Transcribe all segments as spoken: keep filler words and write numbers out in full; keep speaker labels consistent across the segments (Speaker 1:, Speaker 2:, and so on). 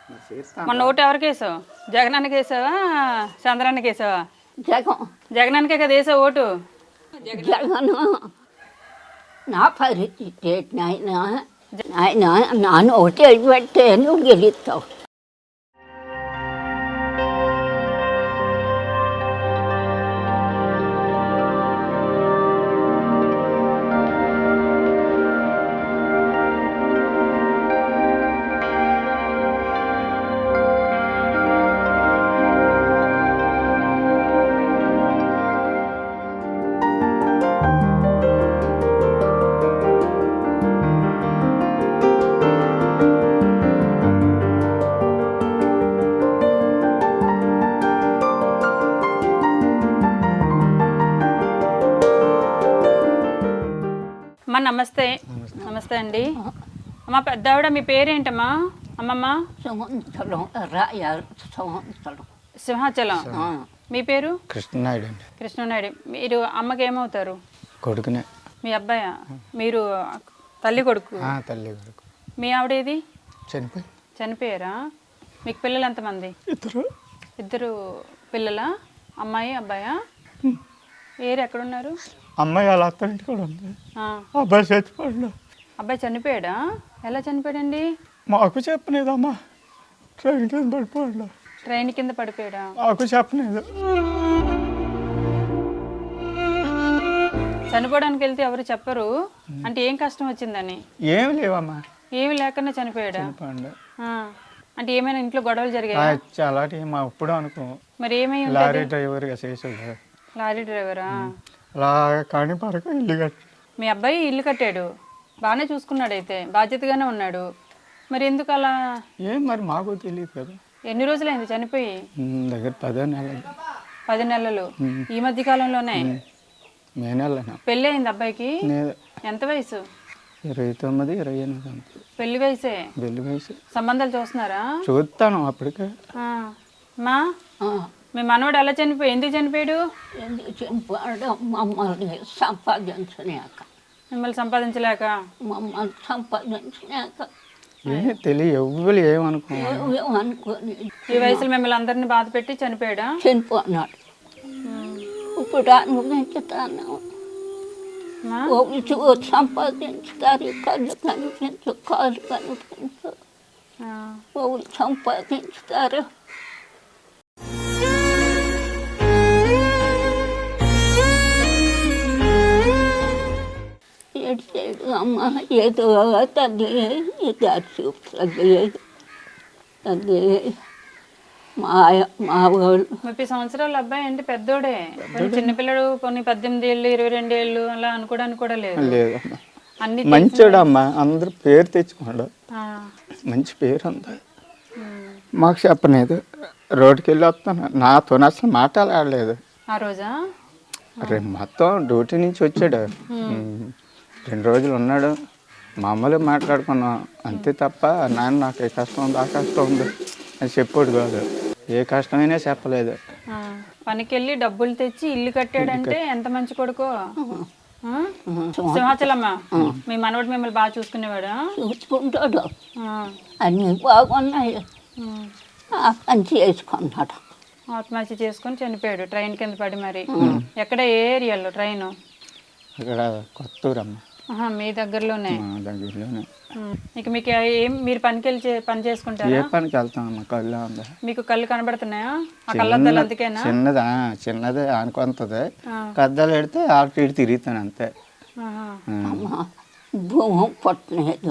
Speaker 1: మొన్న ఓటు ఎవరికి వేసావు? జగనానికి వేసావా చంద్రానికి వేసావా?
Speaker 2: జగన్
Speaker 1: జగనానికే కదా వేసావు ఓటు.
Speaker 2: జగన్ నా పరిస్థితి నాయన నాయన నాన్న ఒకటి పెడితే నువ్వు గెలుస్తావు.
Speaker 1: అమ్మ నమస్తే. నమస్తే అండి. అమ్మ పెద్దావిడ మీ పేరేంటమ్మా? అమ్మమ్మ
Speaker 2: సంవత్సరం రాయ సంవత్సరం
Speaker 1: సింహాచలం. మీ పేరు?
Speaker 3: కృష్ణనాయుడు అండి.
Speaker 1: కృష్ణనాయుడు. మీరు అమ్మకి ఏమవుతారు?
Speaker 3: కొడుకునే.
Speaker 1: మీ అబ్బాయా? మీరు తల్లి కొడుకు?
Speaker 3: తల్లి కొడుకు.
Speaker 1: మీ ఆవిడేది?
Speaker 3: చనిపోయి
Speaker 1: చనిపోయారా? మీకు పిల్లలు ఎంతమంది?
Speaker 3: ఇద్దరు.
Speaker 1: ఇద్దరు పిల్లలా? అమ్మాయి అబ్బాయా? ఏరు ఎక్కడున్నారు?
Speaker 3: అమ్మాయి వాళ్ళ అత్తంటి కూడా ఉంది. అబ్బాయి చచ్చిపోయాడు.
Speaker 1: అబ్బాయి చనిపోయాడా? ఎలా చనిపోయాడండి?
Speaker 3: మాకు చెప్పలేదమ్మా. ట్రైన్ కింద పడిపోయాడు.
Speaker 1: ట్రైన్ కింద పడిపోయాడా?
Speaker 3: మాకు చెప్పలేదు.
Speaker 1: చనిపోవడానికి వెళ్తే ఎవరు చెప్పరు అంటే ఏం కష్టం వచ్చిందని?
Speaker 3: ఏమి లేవమ్మా.
Speaker 1: ఏమి లేకుండా చనిపోయాడా? అంటే ఏమైనా ఇంట్లో గొడవలు జరిగాయి?
Speaker 3: అలాంటి మా ఎప్పుడు అనుకో.
Speaker 1: మరి ఏమై
Speaker 3: లారీ డ్రైవర్గా చేసాడు.
Speaker 1: లారీ డ్రైవరా?
Speaker 3: అలా కానీ పడక ఇల్లు కట్టాడు.
Speaker 1: మీ అబ్బాయి ఇల్లు కట్టాడు, బాగానే చూసుకున్నాడు, అయితే బాధ్యతగానే ఉన్నాడు. మరి ఎందుకు అలా?
Speaker 3: ఏం మరి మాకు తెలియదు కదా.
Speaker 1: ఎన్ని రోజులైంది చనిపోయి?
Speaker 3: దగ్గర పదో నెలలు.
Speaker 1: పది నెలలు. ఈ మధ్య కాలంలోనే?
Speaker 3: మే నెల.
Speaker 1: పెళ్ళి అయింది అబ్బాయికి? ఎంత వయసు?
Speaker 3: ఇరవై తొమ్మిది ఇరవై ఎనిమిది.
Speaker 1: పెళ్లి వయసే?
Speaker 3: పెళ్లి వయసు.
Speaker 1: సంబంధాలు చూస్తున్నారా?
Speaker 3: చూస్తాను అప్పటికే.
Speaker 1: మా మీ మనవాడు ఎలా చనిపోయి ఎందుకు చనిపోయాడు?
Speaker 2: ఎందుకు చనిపోయాడు? మమ్మల్ని సంపాదించలేక.
Speaker 1: మిమ్మల్ని సంపాదించలేక?
Speaker 2: మమ్మల్ని సంపాదించలేక.
Speaker 3: ఏమి తెలియ ఎవ్వరు ఏమనుకో
Speaker 2: అనుకోని
Speaker 1: ఈ వయసులో మిమ్మల్ని అందరినీ బాధ పెట్టి చనిపోయాడా?
Speaker 2: చనిపోయినాడు. ఇప్పుడు అనుభవించుతాను. సంపాదించుతారు. కళ్ళు కనిపించు, కాళ్ళు కనిపించు, వాళ్ళు సంపాదించుతారు. ఏడు అమ్మ ఏదో తల్లి దారి చూపుతుంది. తల్లి మా మా వాళ్ళు
Speaker 1: ముప్పై సంవత్సరాల అబ్బాయి అంటే పెద్దోడే. కొన్ని చిన్నపిల్లడు కొన్ని పద్దెనిమిది ఏళ్ళు ఇరవై రెండు ఏళ్ళు అలా అనుకోవడానికి కూడా లేదు.
Speaker 3: లేదమ్మా.
Speaker 1: అన్ని
Speaker 3: మంచోడు అమ్మా. అందరు పేరు తెచ్చుకోండు. మంచి పేరు ఉంది. మాకు చెప్పలేదు. రోడ్డుకి వెళ్ళి వస్తాను. నాతో అసలు మాట్లాడలేదు
Speaker 1: ఆ రోజా.
Speaker 3: రేపు మొత్తం డ్యూటీ నుంచి వచ్చాడు. రెండు రోజులు ఉన్నాడు. మామూలుగా మాట్లాడుకున్నాం అంతే తప్ప నాన్న నాకు ఏ కష్టం ఉంది ఆ కష్టం ఉంది అని చెప్పాడు కాదు. ఏ కష్టమైనా చెప్పలేదు.
Speaker 1: పనికి వెళ్ళి డబ్బులు తెచ్చి ఇల్లు కట్టాడంటే ఎంత మంచి కొడుకో. సింహాచలమ్మ మీ మనవడు మిమ్మల్ని బాగా చూసుకునేవాడు?
Speaker 2: చూసుకుంటాడు. అన్నీ బాగున్నాయి. పని చేసుకున్నాడు.
Speaker 1: ఆత్మహత్య చేసుకొని చనిపోయాడు ట్రైన్ కింద పడి. మరి ఎక్కడ, ఏ ఏరియాలో ట్రైన్?
Speaker 3: అక్కడ కొత్తూరమ్మ.
Speaker 1: మీ దగ్గరలోనే?
Speaker 3: దగ్గరలోనే.
Speaker 1: ఇక మీకు ఏం, మీరు పనికి వెళ్ళి పని చేసుకుంటారా?
Speaker 3: ఏ పనికి వెళ్తామమ్మా. కళ్ళు ఉందా?
Speaker 1: మీకు కళ్ళు కనబడుతున్నాయా? ఆ కళ్ళద్దాలు అందుకేనా?
Speaker 3: చిన్నదా చిన్నదే అనుకుంటుంది. కద్దాలు పెడితే ఆటు ఇటు తిరుగుతాను అంతే.
Speaker 2: భూమి పట్టలేదు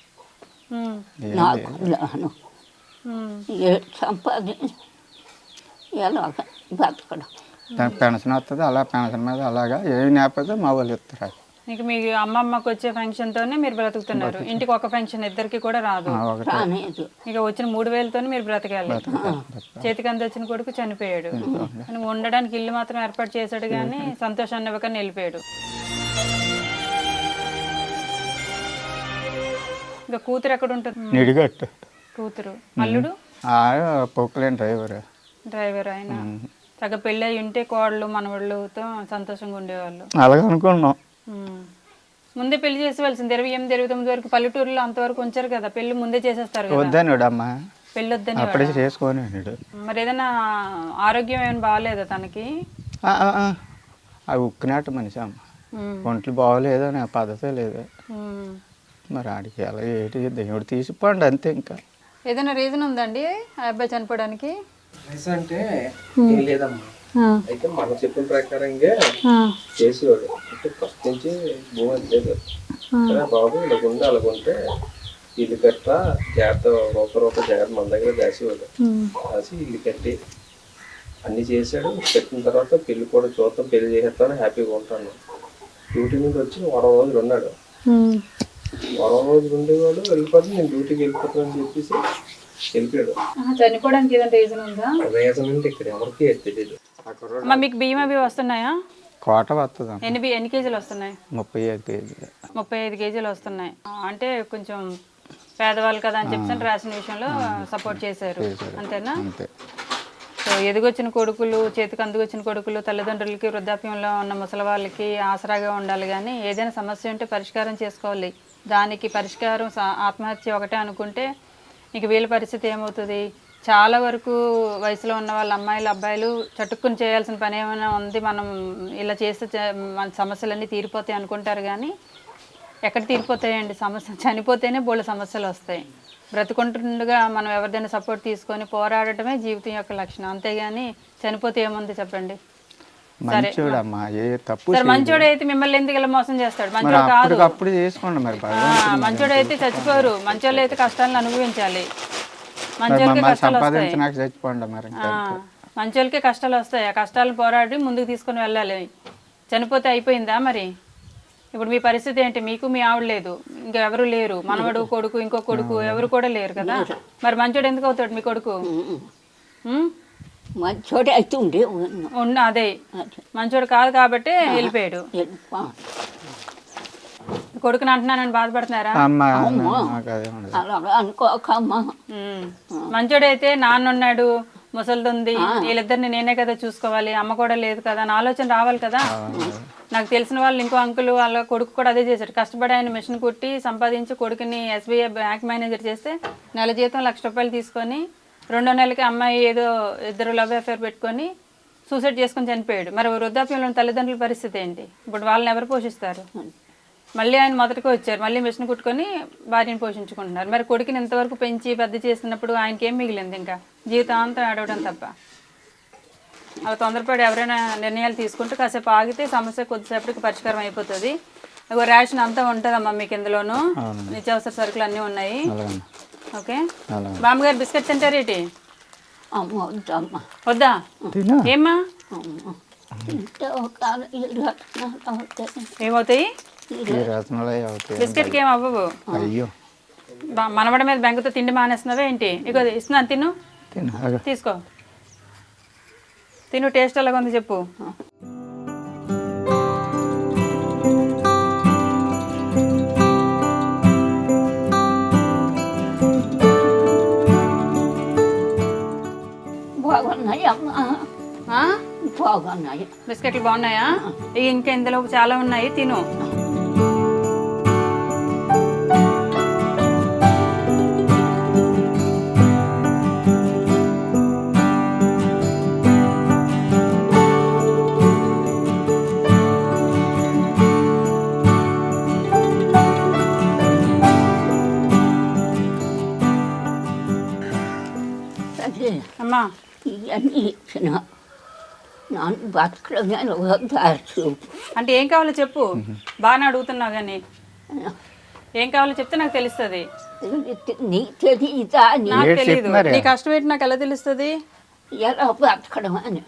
Speaker 2: నాకు. సంపాది ఎలాగ బతకడం.
Speaker 3: దానికి పెన్షన్ వస్తుంది. అలా పెన్షన్ మీద అలాగా ఏమి లేకపోతే మా వాళ్ళు ఇస్తారు.
Speaker 1: ఇక మీ అమ్మమ్మకి వచ్చే పెన్షన్ తోనే మీరు బ్రతుకుతున్నారు. ఇంటికి ఒక పెన్షన్ ఇద్దరికి కూడా రాదు. ఇక వచ్చిన మూడు వేలతోనే మీరు బ్రతకాలి. చేతికి అంత వచ్చిన కొడుకు చనిపోయాడు. ఉండడానికి ఇల్లు మాత్రం ఏర్పాటు చేశాడు కానీ సంతోషాన్ని ఇవ్వకని వెళ్ళిపోయాడు. ఇక కూతురు ఎక్కడ ఉంటుంది?
Speaker 3: నిడిగట్టు.
Speaker 1: కూతురు. అల్లుడు?
Speaker 3: పొక్కులేని డ్రైవర్.
Speaker 1: డ్రైవర్ ఆయన. తగ్గ పెళ్ళి అయి ఉంటే కోడలు మనవాళ్ళతో సంతోషంగా ఉండేవాళ్ళు.
Speaker 3: అలాగే అనుకున్నాం.
Speaker 1: ముందే పెళ్లి చేసేవాల్సింది. ఇరవై ఎనిమిది ఇరవై తొమ్మిది వరకు పల్లెటూరులో అంతవరకు ఉంచారు కదా, పెళ్లి ముందే చేసేస్తారు.
Speaker 3: వద్దాను అమ్మా.
Speaker 1: పెళ్ళొద్దని
Speaker 3: అప్పుడే చేసుకొని అన్నాడు.
Speaker 1: మరి ఏదైనా ఆరోగ్యం ఏమైనా బాగాలేదా తనకి?
Speaker 3: ఆ, ఆ, ఆ. అవి ఉక్కినట్టు మనిషి అమ్మ,
Speaker 1: ఉమ్,
Speaker 3: ఒంట్లు బాగోలేదు అని పద్ధతే లేదు.
Speaker 1: ఉమ్.
Speaker 3: మరి ఆడికి ఎలా ఏంటి దేవుడు తీసిపోండి అంతే. ఇంకా
Speaker 1: ఏదైనా రీజన్ ఉందండి ఆ అబ్బాయి చనిపోవడానికి?
Speaker 4: వయసు అంటే ఏం లేదమ్మా. అయితే మనం చెప్పిన ప్రకారంగా చేసేవాడు. అంటే ఫస్ట్ నుంచి భూమి లేదు కదా బాబు, ఇలాగుండి అలాగుంటే ఇల్లు కట్ట జాగ్రత్త, రూప రూప జాగ్రత్త మన దగ్గర దాసేవాడు. దాసి ఇల్లు కట్టి అన్ని చేశాడు. పెట్టిన తర్వాత పెళ్లి కూడా చూద్దాం, పెళ్లి చేసేస్తాను, హ్యాపీగా ఉంటాను. డ్యూటీ మీద వచ్చి వారం రోజులు ఉన్నాడు. వారం రోజులు ఉండేవాడు, వెళ్ళిపోతే నేను డ్యూటీకి వెళ్ళిపోతాను అని చెప్పేసి వెళ్ళిపోయాడు.
Speaker 1: చనిపోవడానికి ఏదైనా రీజన్ ఉందా?
Speaker 4: రీజన్ అంటే ఇక్కడ ఎవరికి తెలియదు.
Speaker 1: అమ్మా మీకు బియ్యం అవి వస్తున్నాయా?
Speaker 3: కోట వస్తుంది అమ్మ.
Speaker 1: ఎన్ని బి- ఎన్ని కేజీలు వస్తున్నాయి?
Speaker 3: ముప్పై ఐదు కేజీలు.
Speaker 1: ముప్పై ఐదు కేజీలు వస్తున్నాయి. ఆ, అంటే కొంచెం పేదవాళ్ళు కదా అని చెప్పి రేషన్ విషయంలో సపోర్ట్ చేశారు, అంతేనా?
Speaker 3: అంతే.
Speaker 1: సో ఎదిగొచ్చిన కొడుకులు, చేతికి అందుకొచ్చిన కొడుకులు తల్లిదండ్రులకి, వృద్ధాప్యంలో ఉన్న ముసలి వాళ్ళకి ఆసరాగా ఉండాలి. కానీ ఏదైనా సమస్య ఉంటే పరిష్కారం చేసుకోవాలి. దానికి పరిష్కారం సా- ఆత్మహత్య ఒకటే అనుకుంటే ఇక వీళ్ళ పరిస్థితి ఏమవుతుంది? చాలా వరకు వయసులో ఉన్న వాళ్ళ అమ్మాయిలు, అబ్బాయిలు చటుక్కుని చేయాల్సిన పని ఏమైనా ఉంది, మనం ఇలా చేస్తే చ- మన సమస్యలన్నీ తీరిపోతాయి అనుకుంటారు. కానీ ఎక్కడ తీరిపోతాయండి? సమస్య చనిపోతేనే బోళ్ళ సమస్యలు వస్తాయి. బ్రతుకుంటుండగా మనం ఎవరిదైనా సపోర్ట్ తీసుకొని పోరాడటమే జీవితం యొక్క లక్షణం, అంతేగాని చనిపోతే ఏముంది చెప్పండి?
Speaker 3: మంచోడమ్మా, ఏ తప్పు
Speaker 1: సరే మంచోడు అయితే మిమ్మల్ని ఎందుకు ఇలా మోసం చేస్తాడు? మంచోడు కాదు.
Speaker 3: అప్పుడు చేసుకోండి మరి.
Speaker 1: మంచోడు అయితే చచ్చిపోరు, మంచోళ్ళు అయితే కష్టాలను అనుభవించాలి. మంచోళ్ళకి కష్టాలు వస్తాయి.
Speaker 3: సంపాదించినాక చచ్చిపోండి మరి.
Speaker 1: ఆ, మంచోళ్ళకి కష్టాలు వస్తాయి. ఆ కష్టాలను పోరాడి ముందుకు తీసుకొని వెళ్ళాలి. చనిపోతే అయిపోయిందా మరి? ఇప్పుడు మీ పరిస్థితి ఏంటి? మీకు మీ ఆవిడ లేదు, ఇంకా ఎవరు లేరు, మనవడు, కొడుకు, ఇంకో కొడుకు ఎవరు కూడా లేరు కదా. మరి మంచోడు ఎందుకు అవుతాడు మీ కొడుకు? ఉమ్?
Speaker 2: మంచోడే అయితే ఉండే
Speaker 1: ఉన్న అదే మంచోడు కాదు కాబట్టి వెళ్ళిపోయాడు. కొడుకుని అంటున్నానని బాధపడుతున్నారా?
Speaker 3: అమ్మ నాకు అదే ఉండదు.
Speaker 2: అలా అనుకోకమ్మా.
Speaker 1: ఉమ్. మంచోడైతే నాన్న ఉన్నాడు, ముసలిది ఉంది, వీళ్ళిద్దరిని నేనే కదా చూసుకోవాలి, అమ్మ కూడా లేదు కదా అని ఆలోచన రావాలి కదా. నాకు తెలిసిన వాళ్ళు ఇంకో అంకుల్ వాళ్ళ కొడుకు కూడా అదే చేశాడు. కష్టపడి ఆయన మిషన్ కుట్టి సంపాదించి కొడుకుని ఎస్బీఐ బ్యాంక్ మేనేజర్ చేస్తే నెల జీతం లక్ష రూపాయలు తీసుకొని రెండో నెలకి అమ్మాయి ఏదో ఇద్దరు లవ్ అఫేర్ పెట్టుకొని సూసైడ్ చేసుకొని చనిపోయాడు. మరి వృద్ధాప్యంలో తల్లిదండ్రుల పరిస్థితి ఏంటి? ఇప్పుడు వాళ్ళని ఎవరు పోషిస్తారు? మళ్ళీ ఆయన మొదటికి వచ్చారు, మళ్ళీ మిషన్ కుట్టుకొని భార్యను పోషించుకుంటున్నారు. మరి కొడుకుని ఇంతవరకు పెంచి పెద్ద చేస్తున్నప్పుడు ఆయనకి ఏం మిగిలింది? ఇంకా జీవితాంతం ఆడవడం తప్ప. అవి తొందరపడి ఎవరైనా నిర్ణయాలు తీసుకుంటే కాసేపు ఆగితే సమస్య కొద్దిసేపటికి పరిష్కారం అయిపోతుంది. ఇగో రేషన్ అంతా ఉంటుందమ్మా మీకు ఇందులోను, నిత్యావసర సరుకులు అన్నీ ఉన్నాయి. ఓకే బామ్మగారు బిస్కెట్ తింటారు ఏంటి?
Speaker 2: అమ్మ వద్దమ్మా.
Speaker 1: వద్దా? ఏమ్మా ఏమవుతాయి? బిస్కెట్కి ఏం అవ్వవు.
Speaker 3: అయ్యో
Speaker 1: మనవడ మీద బెంగతో తిండి మానేస్తున్నావా ఏంటి? ఇగో ఇస్తున్నాను, తిను, తీసుకో, తిను. టేస్ట్ ఎలాగ ఉంది చెప్పు.
Speaker 2: బాగున్నాయి అమ్మా, బాగున్నాయి.
Speaker 1: బిస్కెట్లు బాగున్నాయా? ఇంకా ఇందులో చాలా ఉన్నాయి, తిను. అమ్మా
Speaker 2: ఇవన్నీ ఇచ్చిన నన్ను బతకడమే దారి చూపు.
Speaker 1: అంటే ఏం కావాలో చెప్పు, బాగానే అడుగుతున్నావు కానీ ఏం కావాలో చెప్తే నాకు తెలుస్తుంది.
Speaker 2: నీ తెలియదా?
Speaker 1: నాకు తెలియదు. నీ కష్టం ఏంటి నాకు ఎలా తెలుస్తుంది?
Speaker 2: ఎలా బతకడం అని.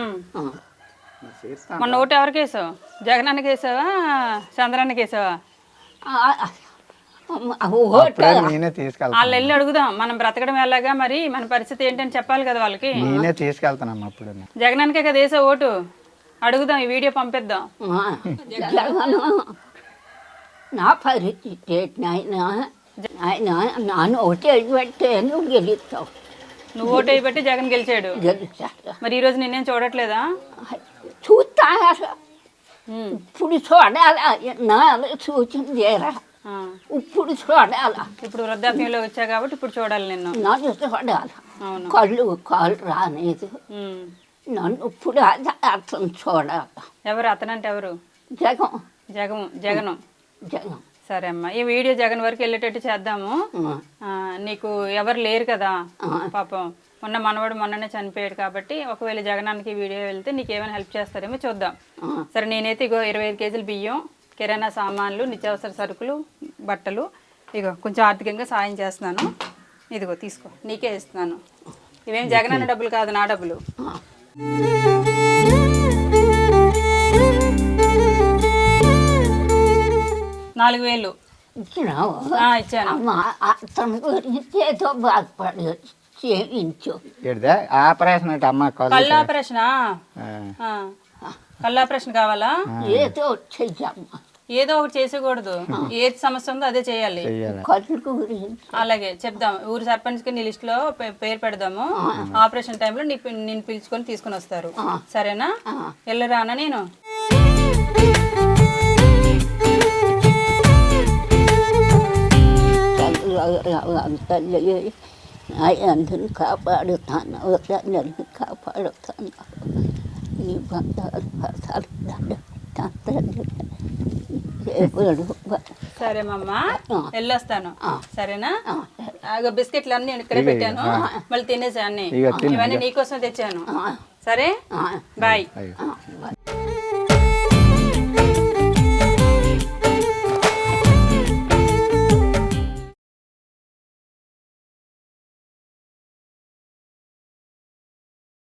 Speaker 1: మొన్న ఓటు ఎవరికి వేసావు? జగనానికి వేసావా, చంద్రానికి వేసావా?
Speaker 3: నేనే తీసుకెళ్తాను.
Speaker 1: వాళ్ళు వెళ్ళి అడుగుదాం, మనం బ్రతకడం ఎలాగా, మరి మన పరిస్థితి ఏంటని చెప్పాలి కదా వాళ్ళకి.
Speaker 3: నేనే తీసుకెళ్తానమ్మా. అప్పుడు
Speaker 1: జగనానికే కదా వేసా ఓటు, అడుగుదాం, ఈ వీడియో పంపిద్దాం.
Speaker 2: జగను నా పరిస్థితి నాయన, ఆయన నాన్న ఓటు పెట్టే నువ్వు గెలుస్తావు.
Speaker 1: నువ్వు ఓటు వేయబట్టి జగన్ గెలిచాడు.
Speaker 2: గెలుస్తాడు.
Speaker 1: మరి ఈ రోజు నేనేం చూడట్లేదా?
Speaker 2: చూస్తా ఇప్పుడు చూడాలా నా సూచన చేయరా.
Speaker 1: ఆ.
Speaker 2: ఇప్పుడు చూడాల
Speaker 1: ఇప్పుడు వృద్ధాప్యంలో వచ్చా కాబట్టి ఇప్పుడు చూడాలి నిన్ను.
Speaker 2: నన్ను చూడాల
Speaker 1: అవును.
Speaker 2: కళ్ళు కాళ్ళు రాలేదు
Speaker 1: ఉమ్.
Speaker 2: నన్ను ఇప్పుడు అది అతను చూడాల.
Speaker 1: ఎవరు అతనంటే ఎవరు?
Speaker 2: జగం
Speaker 1: జగము జగను.
Speaker 2: జగం
Speaker 1: సరే అమ్మా, ఈ వీడియో జగన్ వరకు వెళ్ళేటట్టు చేద్దాము. ఆ, నీకు ఎవరు లేరు కదా పాపం, మొన్న మనవాడు మొన్ననే చనిపోయాడు కాబట్టి ఒకవేళ జగనానికి ఈ వీడియో వెళ్తే నీకు ఏమైనా హెల్ప్ చేస్తారేమో చూద్దాం. సరే, నేనైతే ఇగో ఇరవై ఐదు కేజీలు బియ్యం, కిరాణా సామాన్లు, నిత్యావసర సరుకులు, బట్టలు, ఇగో కొంచెం ఆర్థికంగా సాయం చేస్తున్నాను. ఇదిగో తీసుకో, నీకే ఇస్తున్నాను. ఇవేం జగనన్న డబ్బులు కాదు, నా డబ్బులు. నాలుగు వేలు
Speaker 2: ఇచ్చినావు
Speaker 1: ఆ, ఇచ్చాను.
Speaker 2: అమ్మ అతని గురించి ఏదో బాధపడి చేయించు.
Speaker 3: ఏడిదే ఆపరేషన్ అంటే అమ్మ కళ్ళు
Speaker 1: కళ్ళు ఆపరేషనా?
Speaker 3: ఆ.
Speaker 1: ఆ. కళ్ళు ఆపరేషన్ కావాలా?
Speaker 2: ఏదో చెయ్యమ్మ.
Speaker 1: ఏదో ఒకటి చేసేకూడదు, ఏది సమస్య ఉందో అదే చేయాలి.
Speaker 3: చెయ్యాలి.
Speaker 2: కళ్ళు గురించి
Speaker 1: అలాగే చెప్దాం, ఊరు సర్పంచ్కి నీ లిస్ట్ లో పే- పేరు పెడదాము. ఆపరేషన్ టైంలో నీ పి- నిన్ను పిలుచుకొని తీసుకొని వస్తారు. సరేనా? వెళ్ళరానా నేను?
Speaker 2: తల్లి అందరిని కాపాడుతాను, అందరిని కాపాడుతాను. నీ బంధాలు పసాలు
Speaker 1: సరే మమ్మ, వెళ్ళొస్తాను. సరేనా? ఆగో బిస్కెట్లు అన్ని నేను ఇక్కడే పెట్టాను, మళ్ళీ తినేసా అన్ని.
Speaker 3: ఇక తిను,
Speaker 1: ఇవన్నీ నీకోసం తెచ్చాను. సరే, బాయ్.
Speaker 3: అయ్యో.